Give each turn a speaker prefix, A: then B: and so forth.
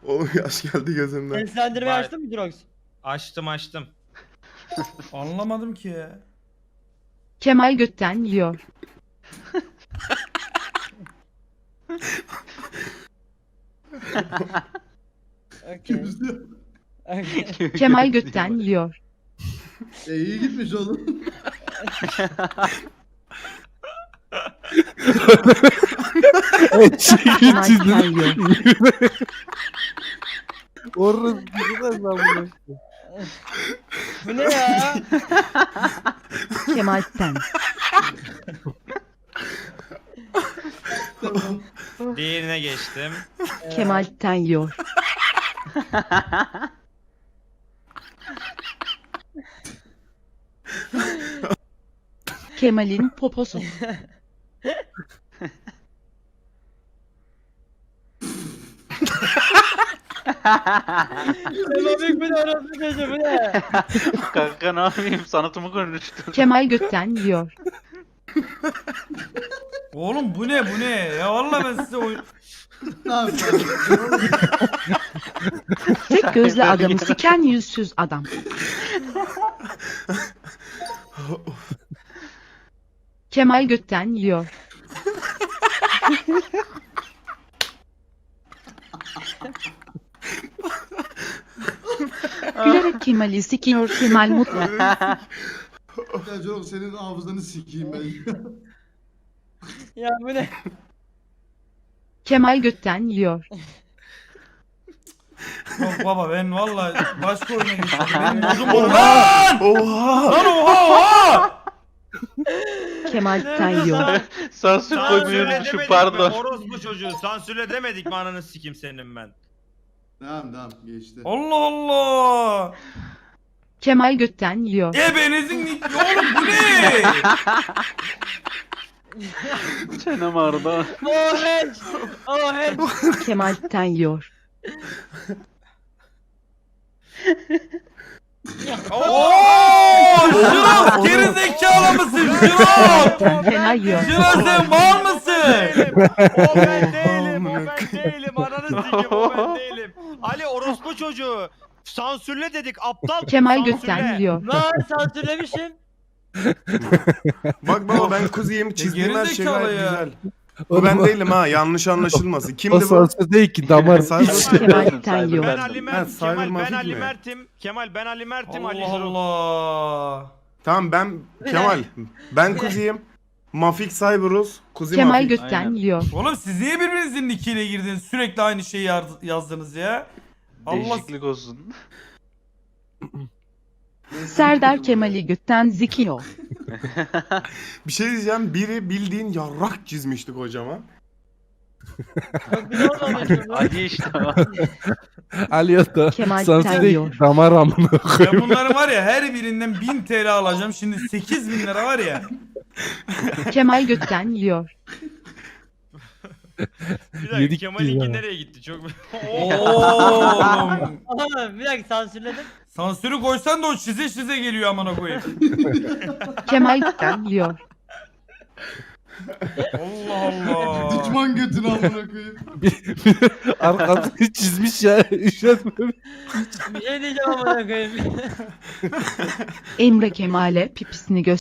A: Oğlum yaş geldi gözümden.
B: Seslendirmeyi
C: Vay.
B: açtın mı Drox?
C: Açtım.
D: Anlamadım ki ya.
E: Kemal götten yiyor.
B: Okey. Okay.
E: Kemal götten yiyor.
F: iyi gitmiş oğlum.
E: Kemal götten yiyor.
G: Orası gidemez lan bunu.
B: Bu ne ya?
E: Kemal sen.
C: Diğerine geçtim.
E: Kemal sen yiyor. Kemal'in poposu.
B: Semafik bu ne orası çocuğu bu ne?
H: Kanka ne yapayım sanatımı konuştum.
E: Kemal götten yiyor.
D: Oğlum bu ne bu ne? Ya vallahi ben size oyun...
F: Ne yapıyorsun?
E: Tek gözlü adamı siken yüzsüz adam. Kemal götten yiyor. Gülerek Kemal'i sikiyor Kemal mutlu.
F: Ya Jorok senin hafızanı sikeyim ben.
B: Ya bu ne?
E: Kemal götten yiyor.
D: Yok baba ben vallahi başka oyuna geçtim. Benim modum bozuldu. Lan!
A: Oha!
D: Lan oha!
E: Kemal sen yiyor.
H: Sansür koymayı
C: Sansürle
H: unutmuşum
C: demedik mi?
H: pardon.
C: Orospu çocuğu. Sansürle demedik mi ananı sikim senin ben.
F: Tamam geçti.
D: Allah Allah!
E: Kemal götten yiyor.
D: Ebenizin oğlum bu ne?
H: Çenem ağrıdı.
B: Oh hench! Oh hench!
E: Kemal sen yiyor.
D: Ooo! Jirox gerizekalı mısın Jirox?
E: Sen fena yiyor.
D: Jirox sen mal mısın?
C: O ben değilim. Ananı sikim o ben değilim. Ali orospu çocuğu. Sansürle dedik aptal.
E: Kemal
C: sansürle.
E: götten yiyor.
B: Lan sansürlemişim.
A: Bak baba ben kuzuyum. Çizdiğim her şey
D: gerizekalı
A: gayet
D: ya.
A: güzel. Bu ben değilim ha. Yanlış anlaşılmasın.
G: O
A: Kimdi bu?
G: sansür değil ki damar.
A: Cyber-
E: Kemal sen yiyor.
C: Ben Ali
A: Ha,
C: Mert.
A: Cyber
C: Kemal ben
A: Mafik
C: Ali
A: mi?
C: Mert'im. Kemal ben Ali Mert'im. Ali
D: Allah
C: Jirox.
D: Allah.
A: Tamam ben Kemal. Ben kuzuyum. Mafik Cyberus. Kuzi
E: Kemal
A: Mafik.
E: götten
H: Aynen.
E: yiyor.
D: Oğlum siz niye birbirinizin nickiyle girdiniz? Sürekli aynı şeyi yazdınız ya. Allah
H: Değişiklik olsun.
E: Serdar Kemal'i götten zikiyor.
A: Bir şey diyeceğim. Biri bildiğin yarrak çizmişti kocaman.
B: Çok güzel olmamışım lan.
H: Ali işte o.
G: Aliyota.
E: Kemal
G: Sansür
E: sen
G: değil
E: yiyor.
G: ki damar amına
D: ben
G: koyayım.
D: bunların var ya her birinden 1000 TL alacağım. Şimdi 8000 lira var ya.
E: Kemal götten yiyor.
C: Bir dakika
G: Yedik
C: Kemal'inki
G: biz ya.
C: nereye gitti? Çok
D: Oğlum.
B: Oğlum bir dakika sansürledim.
D: Sansürü koysan da o çize geliyor amına koyayım.
E: Kemal götten yiyor.
D: Allah Allah.
F: Düşman götünü amına koyayım.
G: Arkasını çizmiş ya. Üşenmemiş.
B: Bir şey diyeceğim amına koyayım.
E: Emre Kemal'e pipisini göster.